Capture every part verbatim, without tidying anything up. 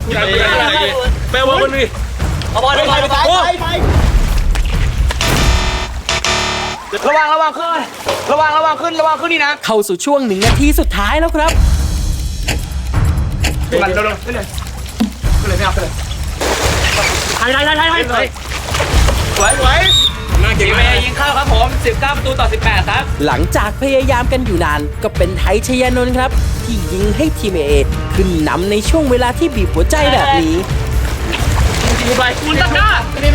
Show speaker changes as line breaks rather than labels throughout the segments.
แปลว่าคนนี้เอาบอลไปไปไประวังระวังขึ้นระวังระวังขึ้นระวังขึ้นนี่นะ
เข้าสู่ช่วงหนึ่งนาทีสุดท้ายแล้วครับ
มันเร็วๆขึ้นเลยขึ้นเลยไม่เอาขึ้นเลยไทยไทยไทยไทยไทยสวยสวยทีมเอยิงเข้าครับผมสิบเก้าประตูต่อสิบแปดครับ
หลังจากพยายามกันอยู่นานก็เป็นไทยชยานนท์ครับที่ยิงให้ทีมเอขึ้นนำในช่วงเวลาที่บีบหัวใจแบบนี้
ยิงไปคุณตะก้า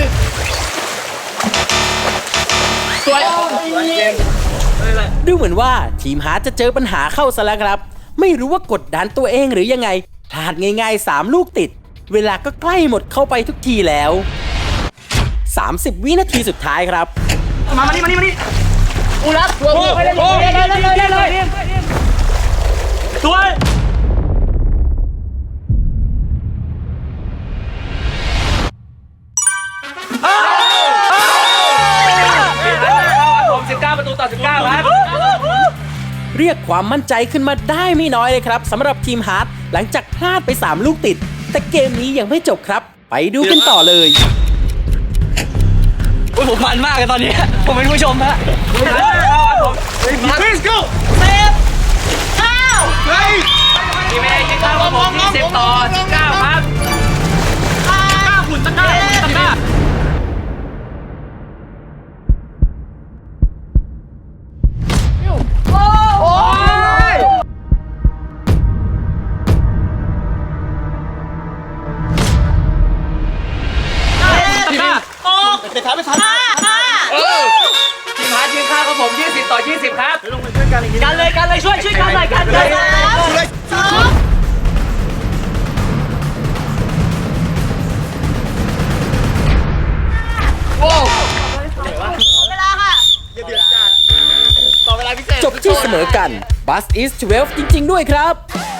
สวย
ดูเหมือนว่าทีมฮาร์ดจะเจอปัญหาเข้าซะแล้วครับไม่รู้ว่ากดดันตัวเองหรือยังไงพลาดง่ายๆสามลูกติดเวลาก็ใกล้หมดเข้าไปทุกทีแล้วสามสิบวินาทีสุดท้ายครับ
มามานี่มานี่มานี่อูรักตัวโอ้ไปเลยเลยเลยเลยเลยสวยผมสิบเก้าประตูต่อสิบเก้าครับ
เรียกความมั่นใจขึ้นมาได้ไม่น้อยเลยครับสำหรับทีมฮาร์ดหลังจากพลาดไปสามลูกติดแต่เกมนี้ยังไม่จบครับไปดูกันต่อเลย
โอ้ยผมมันมากเลยตอนนี้ผมเป็นผู้ชมฮะ Let's go เซฟเก้าเฮ้ยทีมเอยิงเข้าครับผมยี่สิบต่อสิบเก้าครับเก้าหุ่นตะก้าหุ่นตะก้าโอ้ยตะก้าโอ้ไปท้าไปท้าทีมฮาร์ดยิงเข้าครับผมยี่สิบต่อยี่สิบครับลงไปช่วยกันกันเลยกันเลยช่วยช่วยกันหน่อยกันเลยสองโอ้เวลาค่ะเดือดจัดต่อเวลาพิเศษ
จบที่เสมอกันบัสอีสสิบเอ็ดจริงๆด้วยครับ